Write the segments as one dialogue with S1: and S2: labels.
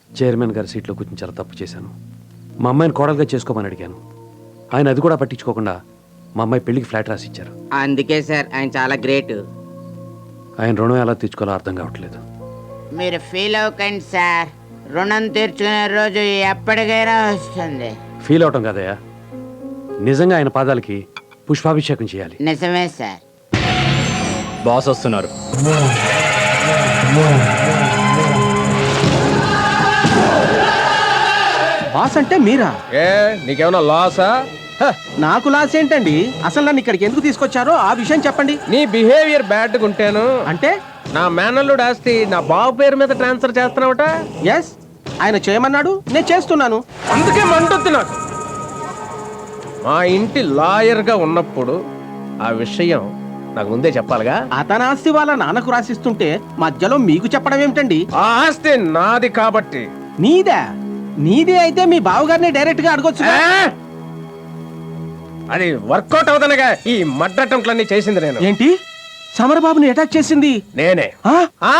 S1: Chairman గారి సీట్లో కూర్చొని చాలా తప్పు చేశాను. మా అమ్మాయిని కోడలుగా చేసుకోమని అడిగాను. ఆయన అది కూడా పట్టించుకోకుండా మా అమ్మాయి పెళ్లికి ఫ్లాట్ రాసి ఇచ్చారు.
S2: అందుకే సార్ ఆయన చాలా గ్రేట్.
S1: ఆయన రుణం ఎలా తీర్చుకోవాలో అర్థం కావట్లేదు.
S2: మీరు ఫీల్ అవ్వకండి సార్, రుణం తీర్చుకునే రోజు ఎప్పటికైనా వస్తుంది.
S1: ఫీల్ అవటం కదయ్యా, నిజంగా ఆయన పాదాలకి పుష్పాభిషేకం చేయాలి.
S2: నిజమే సార్.
S3: బాస్ వస్తున్నారు.
S4: బాస్ అంటే మీరా?
S5: నీకేమన్నా లాసా?
S4: నాకు లాస్ ఏంటండి? అసలు నన్ను ఇక్కడికి ఎందుకు తీసుకొచ్చారో ఆ విషయం చెప్పండి.
S5: నీ బిహేవియర్ బ్యాడ్గా ఉంటాను
S4: అంటే
S5: నా మేనల్లుడు ఆస్తి నా బాబు పేరు మీద ట్రాన్స్ఫర్ చేస్తున్నావట.
S4: ఎస్, ఆయన చేయమన్నాడు, నేను చేస్తున్నాను.
S5: అందుకే మంటుంది నాకు. మా ఇంటి లాయర్గా ఉన్నప్పుడు ఆ విషయం నాకు ముందే చెప్పాలిగా.
S4: అతని ఆస్తి వాళ్ళ నాన్నకు రాసిస్తుంటే మధ్యలో మీకు చెప్పడం ఏమిటండి?
S5: ఆ ఆస్తి నాది కాబట్టి.
S4: నీదే? నీదే అయితే మీ బావగారిని డైరెక్ట్ గా అడగొచ్చు.
S5: అది వర్కౌట్ అవుతానగా ఈ మడ్డటంట్లన్నీ చేసింది నేను.
S4: ఏంటి, సమరబాబుని అటాక్ చేసింది
S5: నేనే.
S4: ఆ?
S5: ఆ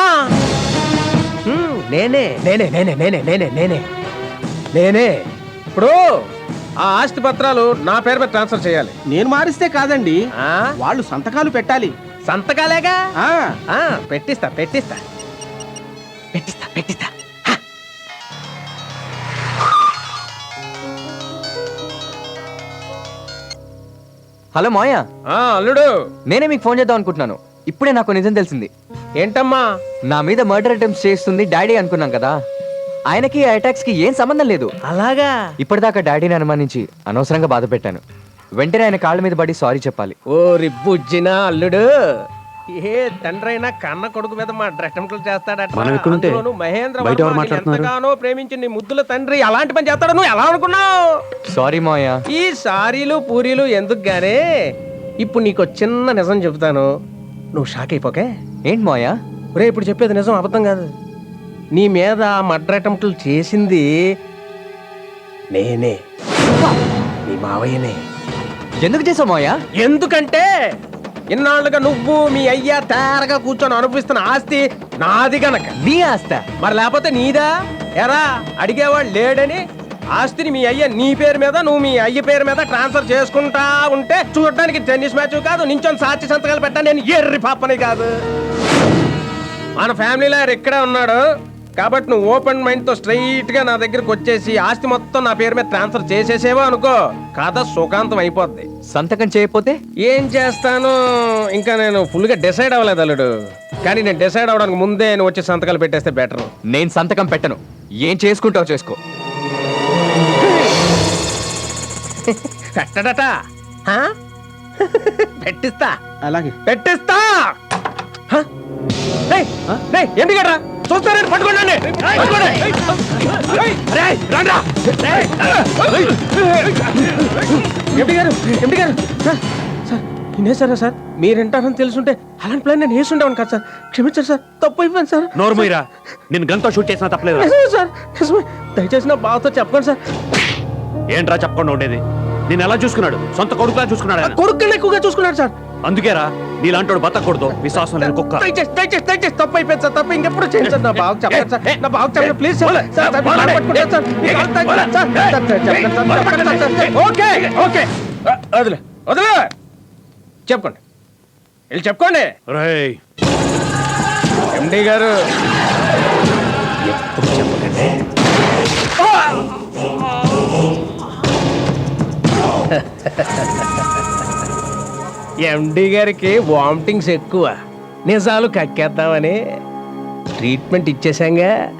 S5: నేనే నేనే నేనే నేనే నేనే నేనే నేనే ఇప్పుడు ఆ ఆస్తి పత్రాలు నా పేరు మీద ట్రాన్స్ఫర్ చేయాలి.
S4: నేను మారిస్తే కాదండి,
S5: ఆ
S4: వాళ్ళు సంతకాలు పెట్టాలి.
S5: సంతకాలేగా.
S4: ఆ
S5: ఆ పెట్టిస్తా పెట్టిస్తా పెట్టిస్తా పెట్టిస్తా.
S3: హలో మాయ,
S5: అల్లుడు,
S3: నేనే మీకు ఫోన్ చేద్దాం అనుకుంటున్నాను. ఇప్పుడే నాకు నిజం తెలిసింది.
S5: ఏంటమ్మా?
S3: నా మీద మర్డర్ అటెంప్ట్స్ చేస్తుంది డాడీ అనుకున్నాం కదా, ఆయనకి ఆ అటాక్స్ కి ఏం సంబంధం లేదు.
S5: అలాగా?
S3: ఇప్పటిదాకా డాడీని అనుమానించి అనవసరంగా బాధ పెట్టాను. వెంటనే ఆయన కాళ్ళ మీద పడి సారీ చెప్పాలి.
S5: ఓ రిబ్బుజ్జినా అల్లుడు, ఏ తండ్రి అయినా కన్న కొడుకు మీద మా అటెంప్ట్లు చేస్తాడట.
S1: మనం ఎక్కడుంటే
S5: అందులోనూ మహేంద్ర
S1: బయట ఎవరు
S5: వర్మ
S1: మాట్లాడుతున్నారు?
S5: ఎంతగానో ప్రేమించిన నీ ముద్దుల తండ్రి అలాంటి పని చేస్తాడు నువ్వు ఎలా అనుకున్నావు?
S3: సారీ మాయ.
S5: ఈ సారీలు పూరీలు ఎందుకు గానే, ఇప్పుడు నీకు చిన్న నిజం చెబుతాను, నువ్వు షాక్ అయిపోకే.
S3: ఏంటి మాయ?
S5: రే, ఇప్పుడు చెప్పేది నిజం, అబద్ధం కాదు. నీ మీద మర్డర్ అటెంప్ట్లు చేసింది నేనే, నీ మావయ్యనే.
S3: ఎందుకు చేసావు మాయ?
S5: ఎందుకంటే ఇన్నాళ్ళుగా నువ్వు మీ అయ్యా తేరగా కూర్చొని అనుభవిస్తున్న ఆస్తి నాది గనక.
S3: నీ ఆస్త?
S5: మరి లేకపోతే నీదా? ఎరా అడిగేవాడు లేడని ఆస్తిని మీ అయ్య నీ పేరు మీద నువ్వు మీ అయ్య పేరు మీద ట్రాన్స్ఫర్ చేసుకుంటా ఉంటే చూడడానికి టెన్నిస్ మ్యాచ్ కాదు, నించొని సాక్షి సంతకాలు పెట్టా నేను ఎర్రి పాపని కాదు. మన ఫ్యామిలీలో ఇక్కడే ఉన్నాడు కాబట్టి నువ్వు ఓపెన్ మైండ్ తో స్ట్రైట్ గా నా దగ్గరకు వచ్చేసి ఆస్తి మొత్తం నా పేరు మీద ట్రాన్స్ఫర్ చేసేసేవో అనుకో, కథ సుఖాంతం అయిపోద్ది.
S3: సంతకం చేయకపోతే
S5: ఏం చేస్తాను ఇంకా నేను ఫుల్ గా డిసైడ్ అవ్వలేదు అల్లుడు. కానీ నేను డిసైడ్ అవడానికి ముందే నువ్వు వచ్చి సంతకాలు పెట్టేస్తే బెటర్.
S3: నేను సంతకం పెట్టను, ఏం చేసుకుంటావు చేసుకో.
S5: పెట్టడట పెట్టిస్తా,
S4: అలాగే
S5: పెట్టిస్తా. ఏంటి గట్రా చూస్తారే, పట్టుకోండి. ఎంపీ గారు, ఎంపీ గారు, సార్ సార్ నేసారా సార్? మీరేంటారని తెలుసుంటే అలాంటి ప్లాన్ నేను వేసుండేవాను కదా సార్. క్షమించారు సార్, తప్పు అయిపోయింది సార్.
S1: నోర్మోయిరా, నేను గన్తో షూట్ చేసినా తప్పలేదు.
S5: నిజమే సార్, నిజమే. దయచేసి నా బావతో చెప్పండి సార్.
S1: ఏంట్రా చెప్పకుండా ఉండేది? నేను ఎలా చూసుకున్నాడు? సొంత కొడుకులా చూసుకున్నాడు ఆయన.
S5: కొడుకుని ఎక్కువగా చూసుకున్నాడు సార్.
S1: అందుకేరా నీలాంటోడు బతకూడదు, విశ్వాసం లేని కుక్క.
S5: దయచేసి దయచేసి దయచేసి తప్పు అయిపోయింది సార్, తప్పు ఇంకెప్పుడు చేయండి సార్. నా బావకు చెప్పండి సార్, నా బావకు చెప్పండి ప్లీజ్ సార్. సార్ సార్ మీరు పట్టుకుంటారు సార్, మీ కాళ్ళు తాకుతారు సార్. చెప్పండి సార్. ఓకే ఓకే, వదిలే వదిలే, చెప్పుకోండి, వెళ్ళి చెప్పుకోండి.
S1: రేయ్,
S5: ఎండి గారు ఎప్పుడు చెప్పకండి. ఎండి గారికి వామిటింగ్స్ ఎక్కువ, నిజాలు కక్కేద్దామని ట్రీట్మెంట్ ఇచ్చేసాంగా.